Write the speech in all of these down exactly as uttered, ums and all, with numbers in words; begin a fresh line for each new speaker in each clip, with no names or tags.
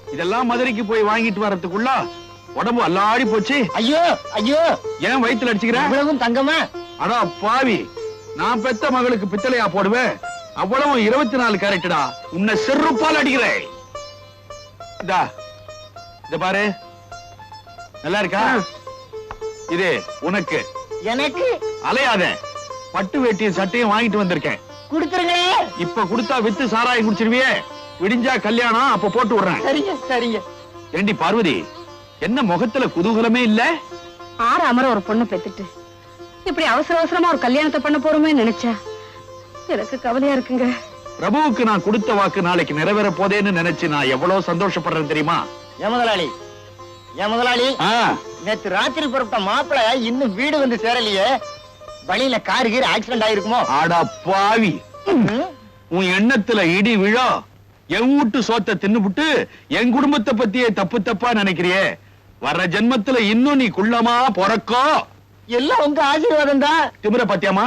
இதெல்லாம் மதுரைக்கு போய் வாங்கிட்டு வரதுக்குள்ள உடம்பு அல்லாடி போச்சு.
ஐயோ ஐயோ,
ஏன் வயித்துல அடிச்சுக்கிறேன்?
இவ்வளவும் தங்கமா?
அடா பாவி, நான் பெத்த மகளுக்கு பித்தளையா போடுவேன்? அவ்வளவு இருபத்தி நாலு கேரக்டடா. உன்னை செருப்பால் அடிக்கிறேன். இதா இத பாரு, நல்லா இருக்கா? இது உனக்கு.
எனக்கு?
அலையாத, பட்டு வேட்டியும் சட்டையும் வாங்கிட்டு வந்திருக்கேன்.
கொடுத்துருங்க.
இப்ப கொடுத்தா வித்து சாராயம் குடிச்சிருவியே. விடிஞ்சா கல்யாணம், அப்ப போட்டு விடுறேன்.
சரிங்க சரிங்க.
ஏண்டி பார்வதி, என்ன முகத்துல குதூகலமே இல்ல?
ஆறு அமர ஒரு பொண்ணு பெத்துட்டு இப்படி அவசர அவசரமா ஒரு கல்யாணத்தை பண்ண போறோமே நினைச்சா எனக்கு கவலையா இருக்குங்க.
பிரபுவுக்கு நான் கொடுத்த வாக்கு நாளைக்கு நிறைவேற போதேன்னு நினைச்சு நான் எவ்வளவு சந்தோஷப்படுறேன் தெரியுமா?
ஏன் முதலாளி, ஏன் முதலாளி, நேத்து ராத்திரி புறப்பட்ட மாப்பிள இன்னும் வீடு வந்து சேரலையே. வழியில காரு கீர் ஆக்சிடென்ட் ஆயிருக்குமோ?
ஆடா பாவி, உன் எண்ணத்துல இடி விழோ. என் வீட்டு சோத்தை தின்னுபுட்டு என் குடும்பத்தை பத்தியே தப்பு தப்பா நினைக்கிறியே. வர்ற ஜென்மத்துல இன்னும் நீ குள்ளமா பொறக்கோ.
எல்லாம் உங்க ஆசீர்வாதம் தான்.
திமிர பத்தியாமா?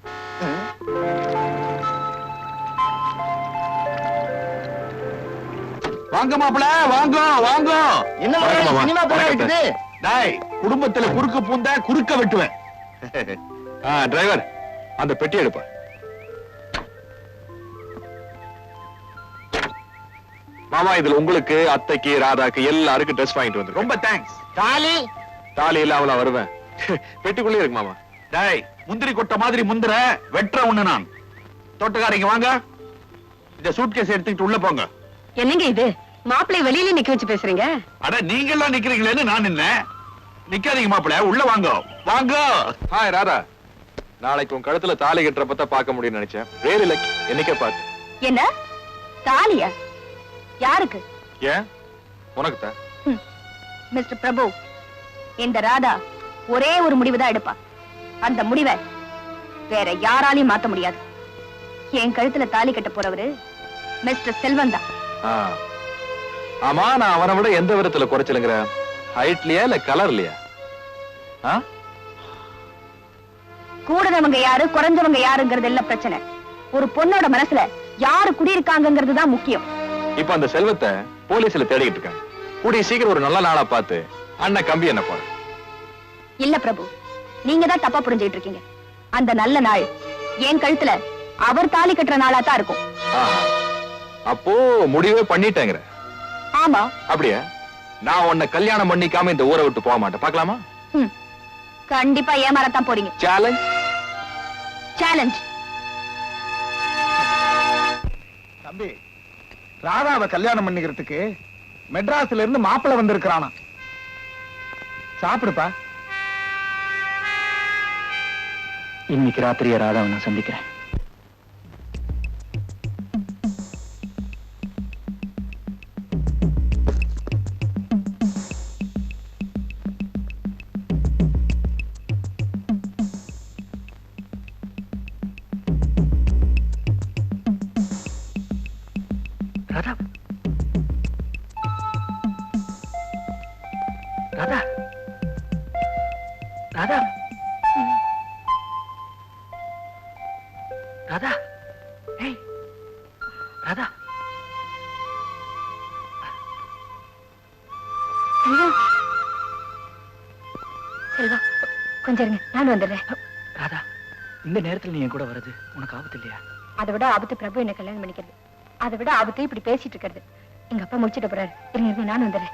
வாங்க மாப்பிள, வாங்க வாங்க.
என்ன சினிமா போல இருக்குது?
டாய், குடும்பத்துல குறுக்க பூந்தா குறுக்க வெட்டுவேன். டிரைவர், அந்த பெட்டி எடுப்பா. மாமா, இதுல உங்களுக்கு, அத்தைக்கு, ராதாக்கு எல்லாருக்கும் ட்ரெஸ் வாங்கிட்டு வந்து. ரொம்ப தேங்க்ஸ்.
தாலி?
தாலி இல்ல, அவளா வருவேன். பெட்டிக்குள்ளே இருக்கு மாமா. டாய், முந்திரி கொட்ட மாதிரி முந்திர வெற்ற ஒண்ணு நான். தோட்டக்காரங்க வாங்க, இந்த சூட்கேஸ் எடுத்துக்கிட்டு உள்ள போங்க.
என்னங்க இது, மாப்பிள்ளை வெளியில நிக்க வச்சு பேசுறீங்க?
அட, நீங்க எல்லாம் நிக்கிறீங்களேன்னு நான் நின்ன. நிக்காதீங்க மாப்பிள்ள, உள்ள வாங்க வாங்க. ஹாய் ராதா, நாளைக்கு உன் கழுத்துல தாலி கட்டுறப்ப பார்க்க முடியும்னு நினைச்சேன். வேறு இல்லை, என்னைக்கே பார்த்து.
என்ன தாலியா? யாருக்கு?
ஏன் உனக்கு தான்.
மிஸ்டர் பிரபு, இந்த ராதா ஒரே ஒரு முடிவுதான் எடுப்பா. அந்த முடிவை வேற யாராலையும் மாத்த முடியாது. என் கழுத்துல தாலி கட்ட போறவரு மிஸ்டர் செல்வன் தான்.
ஆமா, நான் அவனை விட எந்த விதத்துல குறைச்சலுங்கிற? ஹைட்லயா இல்ல கலர்லயா?
கூடுறவங்க யாரு குறைஞ்சவங்க யாருங்கிறது இல்ல பிரச்சனை. ஒரு பொண்ணோட மனசுல யாரு குடியிருக்காங்கிறது தான் முக்கியம்.
இப்ப அந்த செல்வத்தை போலீஸ்ல தேடிக்கிட்டு இருக்காங்க. கூடிய சீக்கிரம் ஒரு நல்ல நாளா பார்த்து அண்ணன் கம்பி என்ன போற.
இல்ல பிரபு, நீங்க தான் தப்பா புரிஞ்சுக்கிட்டு இருக்கீங்க. அந்த நல்ல நாள் என் கழுத்துல அவர் தாலி கட்டுற நாளா தான் இருக்கும்.
அப்போ முடிவே பண்ணிட்டேங்கிற?
ஆமா.
அப்படியா? நான் உன்னை கல்யாணம் பண்ணிக்காம இந்த ஊரை விட்டு போக மாட்டேன். பாக்கலாமா?
கண்டிப்பா ஏமாறத்தான் போறீங்க.
Challenge
challenge.
தம்பி, ராதாவை கல்யாணம் பண்ணிக்கிறதுக்கு மெட்ராஸ்ல இருந்து மாப்பிள்ளை வந்திருக்கிறானா. சாப்பிடுப்பா.
இன்னைக்கு ராத்திரியை ராதாவை நான் சந்திக்கிறேன். ராதா, ராதா, ராதா, ராதா, ஏய் ராதா.
செல்வா, செல்வா, கொஞ்சம் இருங்க, நான் வந்துடுறேன்.
ராதா, இந்த நேரத்துல நீ என் கூட வர்றது உனக்கு ஆபத்து இல்லையா?
அதை விட ஆபத்து பிரபு என்ன கல்யாணம் பண்ணிக்கிறது. அதை விட ஆபத்து இப்படி பேசிட்டு இருக்கிறது. எங்க அப்பா முடிச்சிட்டு போறாரு. இருங்க இருங்க, நான் வந்துடுறேன்.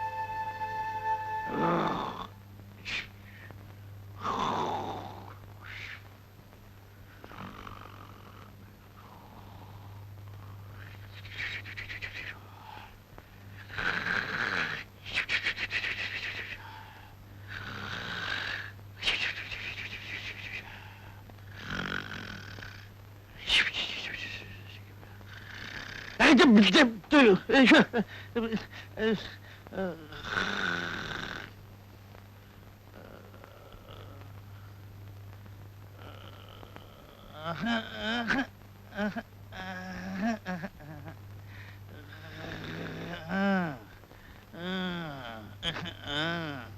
Uh